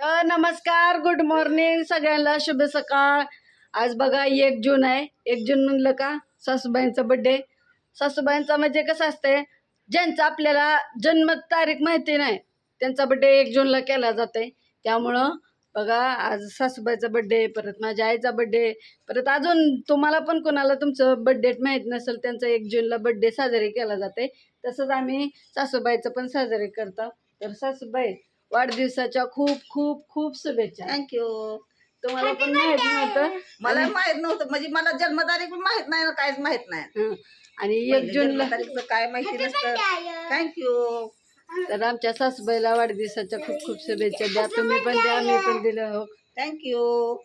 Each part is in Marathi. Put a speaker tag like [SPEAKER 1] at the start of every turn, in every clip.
[SPEAKER 1] नमस्कार, गुड मॉर्निंग सगळ्यांना, शुभ सकाळ. आज बघा 1 जून आहे. 1 जून म्हणलं का सासूबाईंचा बड्डे. सासूबाईंचा म्हणजे कसं असते, ज्यांचा आपल्याला जन्म तारीख माहिती नाही त्यांचा बड्डे 1 जूनला केला जाते. त्यामुळं बघा आज सासूबाईचा बड्डे, परत माझ्या आईचा बड्डे, परत अजून तुम्हाला पण कोणाला तुमचं बड्डे माहीत नसेल त्यांचा 1 जूनला बड्डे साजरे केला जाते. तसंच आम्ही सासूबाईचं पण साजरे करतो. तर सासूबाई, वाढदिवसाच्या खूप खूप खूप शुभेच्छा.
[SPEAKER 2] थँक्यू.
[SPEAKER 1] तुम्हाला पण माहित नव्हतं,
[SPEAKER 2] मला माहित नव्हतं, म्हणजे मला जन्मतारीख पण माहित नाही ना, काहीच माहित नाही.
[SPEAKER 1] आणि 1 जूनला
[SPEAKER 2] तारीखचं काय माहिती नसतं. थँक्यू.
[SPEAKER 1] तर आमच्या सासूबाईला वाढदिवसाच्या खूप खूप शुभेच्छा द्या. तुम्ही पण द्या, मी पण दिलं हो.
[SPEAKER 2] थँक्यू.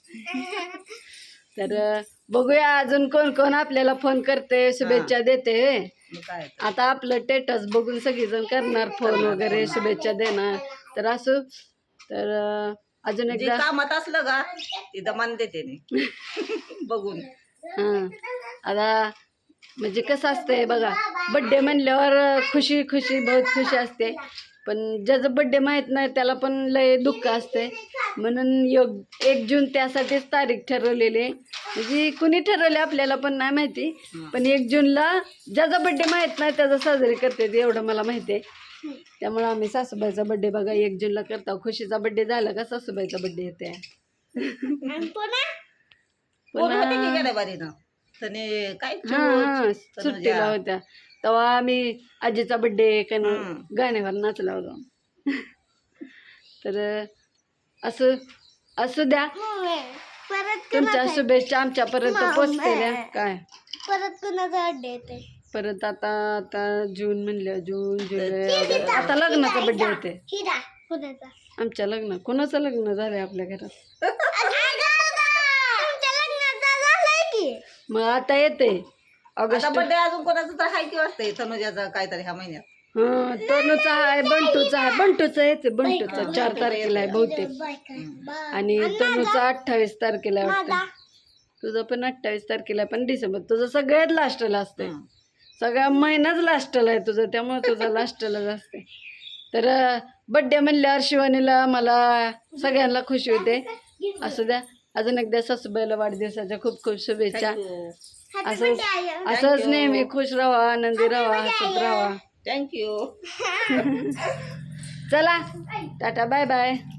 [SPEAKER 1] तर बघूया अजून कोण कोण आपल्याला फोन करते, शुभेच्छा देते.
[SPEAKER 2] काय
[SPEAKER 1] आता आपलं स्टेटस बघून सगळीजण करणार फोन वगैरे, शुभेच्छा देणार. तर असं तर अजून
[SPEAKER 2] जे
[SPEAKER 1] एकदा
[SPEAKER 2] कामात असलं का तिथं मान देते नाही बघून.
[SPEAKER 1] हां, आता म्हणजे कसं असतंय बघा, बड्डे म्हणल्यावर खुशी खुशी बहुत खुशी असते. पण ज्याचं बड्डे माहीत नाही त्याला पण लय दुःख असते. म्हणून 1 जून त्यासाठीच तारीख ठरवलेली आहे. म्हणजे कुणी ठरवले आपल्याला पण नाही माहिती, पण 1 जूनला ज्याचा बड्डे माहीत नाही त्याचा साजरी करते ते एवढं मला माहिती आहे. त्यामुळं आम्ही सासूबाईचा बड्डे बघा 1 जूनला करतो. खुशीचा बड्डे झाला का सासूबाईचा बड्डे येते.
[SPEAKER 2] काय
[SPEAKER 1] हां सुट्टीला होत्या तेव्हा आम्ही आजीचा बड्डे गाण्यावर नाचला होता. तर असं असू द्या, तुमच्या शुभेच्छा आमच्यापर्यंत पोचलेल्या. काय
[SPEAKER 3] परत कुणाचा बर्थडे येते?
[SPEAKER 1] परत आता आता जून म्हणलं, जून जुलै ऑगस्ट, आता लग्नाचा बड्डे येते
[SPEAKER 3] हिरा कुणाचा?
[SPEAKER 1] आमच्या. लग्न कोणाचं लग्न झालंय आपल्या घरात?
[SPEAKER 3] तुमच्या लग्नाचा झालंय की.
[SPEAKER 1] मग आता येते ऑगस्ट.
[SPEAKER 2] बर्थडे अजून कोणाचं तर हाय की वाटतंय, तनुजाचा काहीतरी ह्या महिन्यात.
[SPEAKER 1] हा, तनुचा आहे, बंटूचा आहे. बंटूचा येते, बंटूचा 4 तारखेला आहे बहुतेक. आणि तनुचा 28 तारखेला आहे वाटतं. तुझं पण 28 तारखेला आहे, पण डिसेंबर. तुझं सगळ्यात लास्टला असते, सगळा महिनाच लास्टला आहे तुझं, त्यामुळे तुझं लास्टलाच असते. तर बड्डे म्हणल्यावर शिवानीला मला सगळ्यांना खुशी होते. असू द्या, अजून एकदा सासूबाईला वाढदिवसाच्या खूप खूप शुभेच्छा. असंच असंच नेहमी खुश राहा, आनंदी राहा, हसत राहा.
[SPEAKER 2] थँक्यू.
[SPEAKER 1] चला, टाटा, बाय बाय.